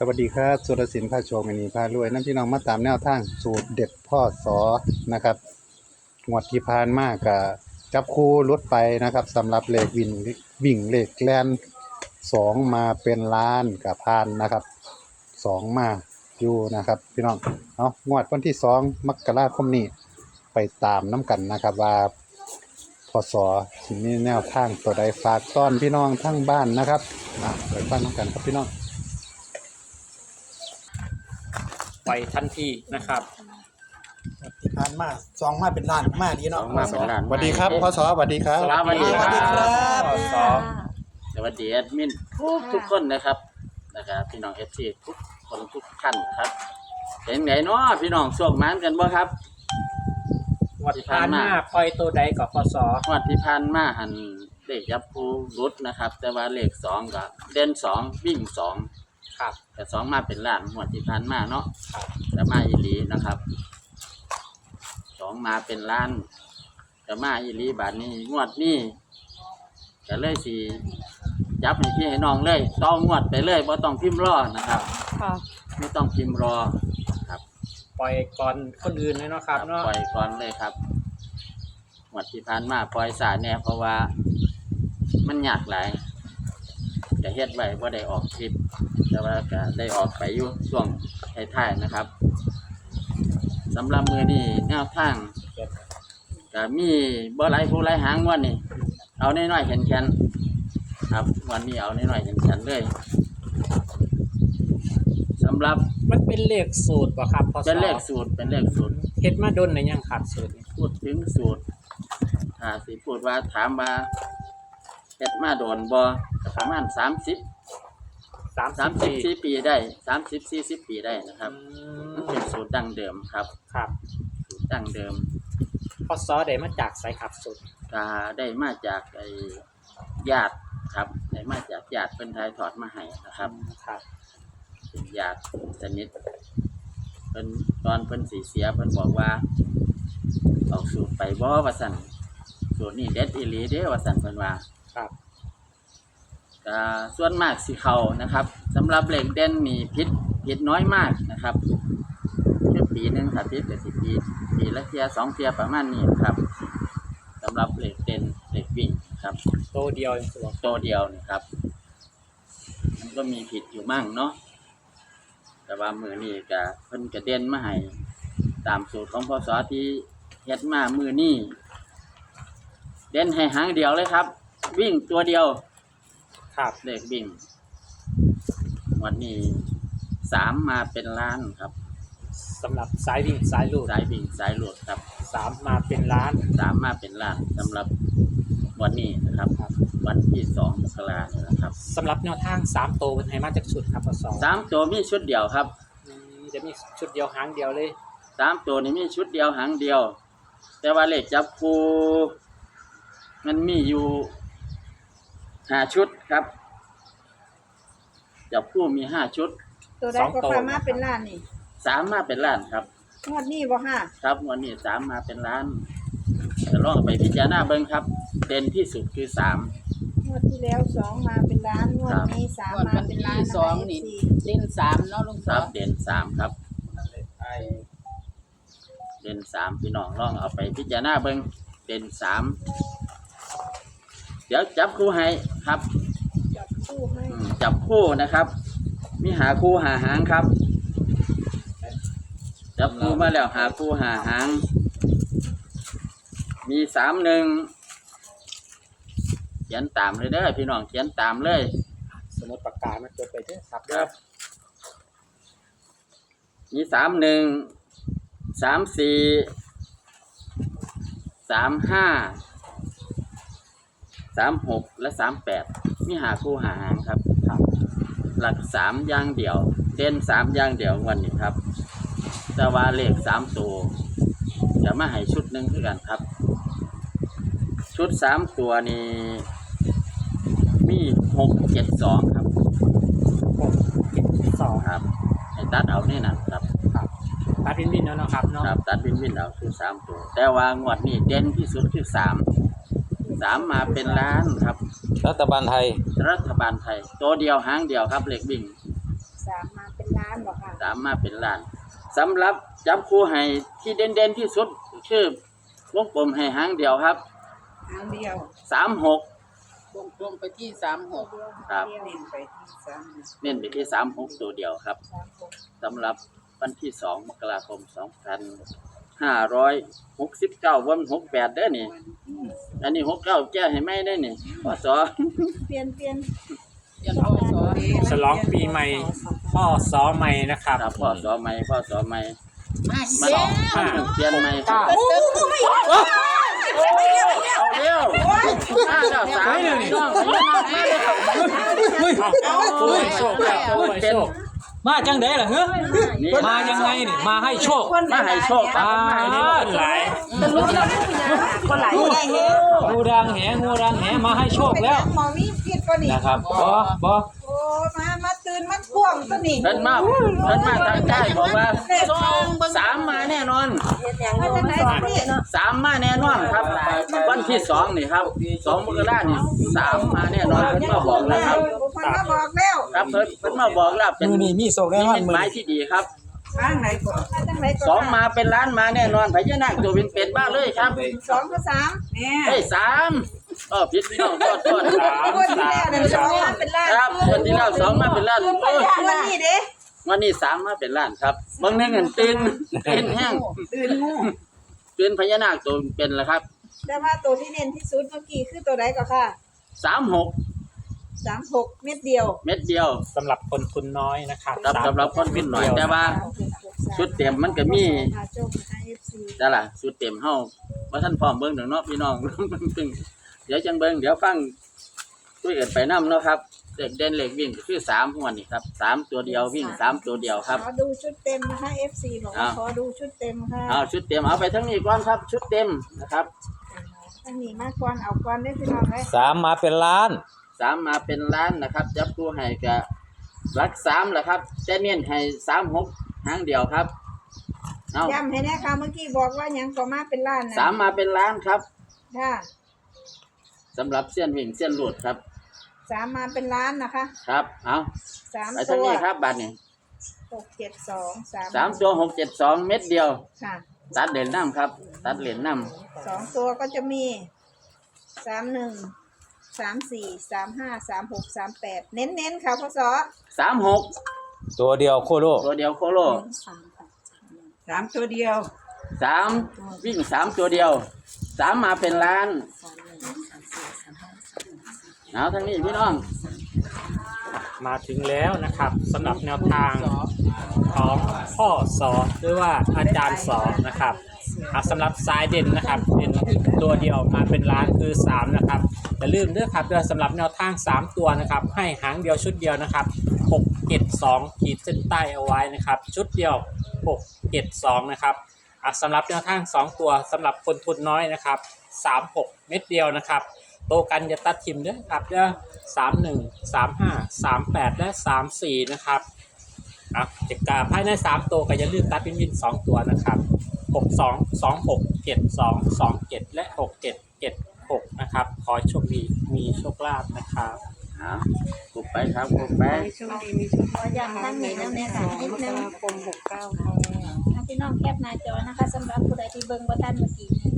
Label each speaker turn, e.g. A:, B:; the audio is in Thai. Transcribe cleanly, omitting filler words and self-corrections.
A: วัสดีครับสุรศิลป์พาโชคอันนี้พารวยน้ำพี่น้องมาตามแนวทางสูตรเด็ดพ่อสอนะครับงวดที่ผ่านมาก็จับคู่ลดไปนะครับสำหรับเลขวิ่งเลขแลน2มาเป็นล้านกับพานนะครับ2มาอยู่นะครับพี่น้องเอางวดวันที่2มกราคมนี้ไปตามน้ำกันนะครับว่าพศสิมีแนวทางตัวใดฝากต้อนพี่น้องทั้งบ้านนะครับไปฟังน้ำกันครับพี่น้อง
B: ไปทันทีนะครับ
C: ที่ผ่านมาสองมาเป็นล้านมาดีเนาะ
D: มาเป็นล้าน
A: สวัสดีครับพศสวัสดีครับ
D: สวัสดีครับ
B: สอง
D: สวัสดีแอดมินทุกคนนะครับพี่น้อง FC ทุกคนทุกท่านนะครับเป็นไงเนาะพี่น้องช่วงมันกันบ่ครับ
B: วัดผ่านมาปล่อยตัวใดกับพศ
D: งวดที่ผ่านมาหันเลขยับผู้รุดนะครับแต่ว่าเลข2ก็เด่น2วิ่ง2
B: ครับ
D: แต่2มาเป็นล้านงวดที่ผ่านมาเนาะ
B: ครับ
D: แต่มาอีหลีนะครับ2มาเป็นล้านแต่มาอีหลีบาดนี้งวดนี้ก็เลยสิยับให้พี่ให้น้องเลยต้องงวดไปเลยบ่ต้องพิมพ์รอนะครับ
E: ค่ะ
D: ไม่ต้องพิมพ์รอครับ
B: ปล่อยก่อนคนอื่นเลยเนาะครับเนาะ
D: ปล่อยก่อนเลยครับงวดที่ผ่านมาปล่อยสายแน่เพราะว่ามันยากหลายจะเฮ็ดไว้บ่ได้ออกคลิปแต่ว่าก็ได้ออกไปอยู่ช่วงท้ายๆนะครับสำหรับมือนี้แนวทางก็มีบ่หลายผู้หลายหางวันนี้เอาน้อยๆแข็งๆครับวันนี้เอาน้อยๆแข็งๆเลยสำหรับ
B: มันเป็นเลขสูตรป่ะครับพศ
D: เป็นเลขสูตร
B: เฮ็ดมาดนในยังขาดสูตรนี่
D: พูดถึงสูตรสิพูดว่าถามว่าเฮ็ดมาโดนบ่ประมาณ34 ปีได้30-40 ปีได้นะครับมันเป็นสูตรดั้งเดิมครับ
B: ครับ
D: สูตรดั้งเดิม
B: พศได้มาจากสายขับสูตร
D: ก็ได้มาจากญาติครับได้มาจากญาติเพิ่นถ่ายทอดมาให้นะครับ
B: ครับ
D: เป็นญาติสนิทเพิ่นตอนเพิ่นสิเสียเพิ่นบอกว่าเอาสูตรไปบ่ว่าซั่นสูตรนี้เด็ดอีหลีเด้ว่าซั่นเพิ่นว่า
B: ครับ
D: ก็ส่วนมากสิเข้านะครับสำหรับเลขเด่นนี่ผิดน้อยมากนะครับปีนึงถ้าผิดก็สิปีละเที่ย2เที่ยประมาณนี้ครับสำหรับเลขเด่นเลขวิ่งครับ
B: ตัวเดียวเองตัว
D: ตัวเดียวนี่ครับมันก็มีผิดอยู่มั่งเนาะแต่ว่ามือนี้ก็เพิ่นก็เด่นมาให้ตามสูตรของพศที่เฮ็ดมามือนี้เด่นให้หางเดียวเลยครับ วิ่งตัวเดียว
B: ครับ
D: เลขวิ่งวันนี้3มาเป็นล้านครับ
B: สำหรับสายวิ่งสายลูด
D: สายวิ่งสายหลุดครับ
B: 3มาเป็นล้าน
D: 3มาเป็นล้านสำหรับวันนี้นะครับ วันที่2 มกราคมนะครับ
B: สำหรับแนวทาง3ตัวเป็นให้มาจากชุดครับพศ
D: 3ตัวมีชุดเดียวครับ
B: จะมีชุดเดียวหางเดียวเลย
D: 3ตัวนี้มีชุดเดียวหางเดียว แต่ว่าเลขจับคู่มันมีอยู่5ชุดครับจับคู่มี5ชุด
E: ตัวใดก็พามาเป็นล้านนี่
D: 3มาเป็นล้านครับ
E: งวดนี้บ่ค่ะ
D: ครับวันนี้3มาเป็นล้านจะลองไปพิจารณาเบิ่งครับ เด่นที่สุดคือ3
E: งวดที่แล้ว2มาเป็นล้านงวดนี้3มาเป็นล้าน
F: สองนี่เล่นสามเนาะลุง
D: ค
F: สอ
D: รับ
F: ง
D: เด่น3ครับเด่น3พี่น้องลองเอาไปพิจารณาเบิ่งเด่น3เดี๋ยวจับคู่ให้ครับ
E: จับคู่ให้
D: จับคู่นะครับ มีหาคู่หาหางครับจับคู่มาแล้วหาคู่หาหางมี31เขียนตามเลยเด้อพี่น้องเขียนตามเลย
B: สมมติปากกามาจดไปเด้อครับ
D: ครับมี31 34 35 36และ38มีหาคู่หาหางครับหลัก3อย่างเดียวเด่น3อย่างเดียววันนี้ครับแต่ว่าเลข3ตัวจะมาให้ชุดหนึ่งคือกันครับชุด3ตัวนี้มี672ครับ
B: 672
D: ครับให้ตัดเอานี่นะครับ
B: ตัดวินแล้วเนาะครับเนาะ
D: ครับตัดวินเอาคือ3ตัวแต่ว่างวดนี้เด่นที่สุดคือ3มาเป็นล้านครับ
A: รัฐบาลไทย
D: รัฐบาลไทยตัวเดียวหางเดียวครับเลขวิ่ง
E: 3 ามมาเป็นล้านบอกค่ะ
D: สามมาเป็นล้านสำหรับจับคู่ให้ที่เด่นๆที่สุดคือวงกลมให้หางเดียวครับ
E: ทางเดียว
D: 36
F: วงกลมไปที่36
D: ครับ
E: เดียว
F: เน้นไปที่3
D: เน้นไปที่36ตัวเดียวครับ สำหรับวันที่2 มกราคม 2569 วัน68เด้อนี่ อันนี้69แก้ให้ไม่ได้นี่พศ
E: เปลี่ยน
F: ยังพอสอน
B: ฉลองปีใหม่พ่อสอใหม่นะครับ
D: ครับพศใหม่พศใหม่
F: มา
D: มา
F: แล้ว
D: เปลี่ยนใหม่
B: เก้า
D: เอาเร็วมาแล้วสามน้องโอ้ยโชคแล้วโอ้ยโชค
B: มาจังได๋ล่ะเฮ้ย
D: นี่
B: มายังไงนี่มาให้โชค
D: มาให้โชคครับมาให้โชค
B: หลาย
E: คนหลายได้เฮ้ย
B: งูดังแหมาให้โชคแล้ว
E: มองนี่ผิดก็นี่
B: นะครับบ่
E: โอ้มาตื่นมาพ่วงตัวนี้
D: เพิ่นมาทางใต้บอกว่า3มาแน่นอน
E: มาจากไหนพี่เนาะ
D: 3มาแน่นอนครับ วันที่2นี่ครับ2 มกราคมนี่3มาแน่นอนเพิ่นมาบอกแล้วครับ
E: คนมาบอกแล้ว
D: ครับเพิ่นมาบอกแล้วเป็น
C: มือนี่มีโศกแน่นอน
D: เป็น
C: มือ
D: หมาย
C: นี้
D: ที่ดีครับ
E: มาจากไหนก่อน
D: 2มาเป็นล้านมาแน่นอนพญานาคตัวเป็นบ้าเลยครับ
E: 2 กับ 3เนี่ย
D: เฮ้ย3ผิดพี่น้องโทษ
E: คนที่แล้วเนี่ย2มาเป็นล้าน
D: ครับวันที่แล้ว2มาเป็นล้านโอ้ย
E: วันนี้เด้
D: วันนี้3มาเป็นล้านครับบางนึงเห็นตื่นแห้ง
E: ตื่นงู
D: ตื่นพญานาคตัวเป็นแล้วครับ
E: แต่ว่าตัวที่เน้นที่สุดเมื่อกี้คือตัวใดก็ค่ะ
D: 36
E: 36 เม็ดเดียว
D: เม็ดเดียว
B: สำหรับคนทุนน้อยนะครับ
D: ครับสำหรับคนขึ้นหน่อยแต่ว่าชุดเต็มมันก็มีแต่ล่ะชุดเต็มเฮาว่าท่านพร้อมเบิ่งถึงเนาะพี่น้อง เดี๋ยวจังเบิ่งเดี๋ยวฟังคุยกันไปนำเนาะครับเด็กเด่นเหล็กวิ่งก็คือ3หัวนี่ครับ3ตัวเดียววิ่ง3ตัวเดียวครับ
E: ขอดูชุดเต็มนะคะ FC บอกว่าขอดูชุดเต็มค่ะ
D: เอาชุดเต็มเอาไปทั้งนี้ก่อนครับ ชุดเต็มนะครับ
E: อันนี้มาก่อนเอาก่อนได้พี่น้องเลย
B: 3มาเป็นล้าน
D: 3มาเป็นล้านนะครับจับตัวให้ก็หลัก3แหละครับแต่เน้นให้36หางเดียวครับเอา
E: ย้ำให้แน่ค่ะเมื่อกี้บอกว่าหยังก็มาเป็นล้านนะ
D: 3มาเป็นล้านครับ
E: ค่ะ
D: สำหรับเส้นวิ่งเส้นหลุดครับ
E: 3มาเป็นล้านนะคะ
D: ครับเอา
E: 3
D: ไป
E: ตั
D: ทั้ง
E: ว
D: นี้ครับบัตรนี่
E: 672
D: 3ตัว672เม็ดเดียว
E: ค่ะ
D: ตัดเหรียญน้ำครับ ตัดเหรียญน้
E: 2ตัวก็จะมี31 34 35 36 38เน้นๆค่ะพศ
D: ำ36
B: ตัวเดียวโคโล
D: ตัวเดียวโคโล
E: 3ตัวเดียว
D: 3วิ่ง3ตัวเดียว3มาเป็นล้านเอาทั้งนี้พี่น้อง
B: มาถึงแล้วนะครับสำหรับแนวทางของพ่อสอหรือว่าอาจารย์สอนะครับสำหรับสายเด่นนะครับเป็นตัวเดียวมาเป็นล้านคือ3นะครับอย่าลืมด้วยครับสำหรับแนวทาง3ตัวนะครับให้หางเดียวชุดเดียวนะครับ672ขีดเส้นใต้เอาไว้นะครับชุดเดียว672นะครับสำหรับแนวทาง2ตัวสำหรับคนทุนน้อยนะครับ36เม็ดเดียวนะครับโตกันจะตัดทิมด้วยครับเด้อ31 35 38และ34นะครับจะกาภายใน3ตัวก็อย่าลืมตัดเป็นวิน2ตัวนะครับ62 26 72 27และ67 76นะครับขอโชคดีมีโชคลาภนะครับ
D: กดไปครับกดไป
E: ขอย้ำทั้งนี้แล้วเนี่ยค่ะนิดนึง
F: คม69ค่ะ
E: พี่น้องแคปหน้าจอนะคะสำหรับผู้ใดที่เบิ่งบ่ทันเมื่อกี้นี้